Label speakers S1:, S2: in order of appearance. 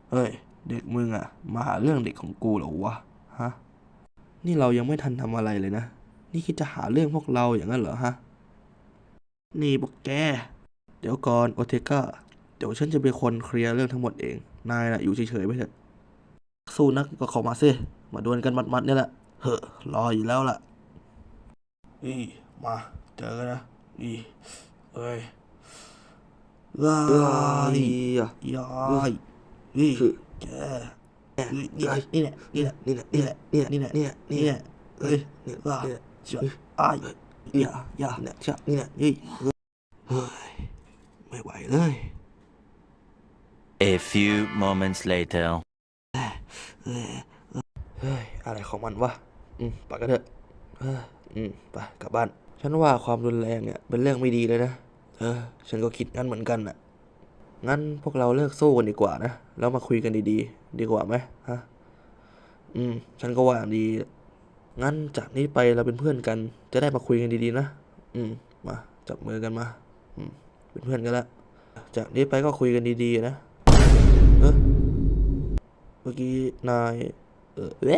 S1: เอ้ยเด็กมึงอะมาหาเรื่องเด็กของกูเหรอวะฮะนี่เรายังไม่ทันทำอะไรเลยนะนี่คิดจะหาเรื่องพวกเราอย่างนั้นเหรอฮะนี่พวกแกเดี๋ยวก่อนโอเทก้าเดี๋ยวฉันจะเป็นคนเคลียร์เรื่องทั้งหมดเองนายน่ะอยู่เฉยๆไปเถอะสู้นักก็เข้ามาสิมาดวลกันหมัดๆเนี่ยแหละเฮ้อรออยู่แล้วล่ะอีมาเจอกันนะอีเอ้ยว้ายยายอีแก นี่แหละนี่แหละนี่แหละนี่แหละนี่แหละนี่แหละนี่แหละเฮ้ยว่าเจ้าอ้ายอย่าเนี่ยเจ้านี่แหละเฮ้ยไม่ไหวเลย
S2: A few moments later.
S1: เฮ้ยอะไรของมันวะไปกันเถอะไปกลับบ้านฉันว่าความรุนแรงเนี่ยเป็นเรื่องไม่ดีเลยนะฉันก็คิดงั้นเหมือนกันน่ะงั้นพวกเราเลิกสู้กันดีกว่านะแล้วมาคุยกันดีๆดีกว่าไหมฮะฉันก็ว่าดีงั้นจากนี้ไปเราเป็นเพื่อนกันจะได้มาคุยกันดีๆนะมาจับมือกันมาเป็นเพื่อนกันละจากนี้ไปก็คุยกันดีๆนะเมื่อกี้นาย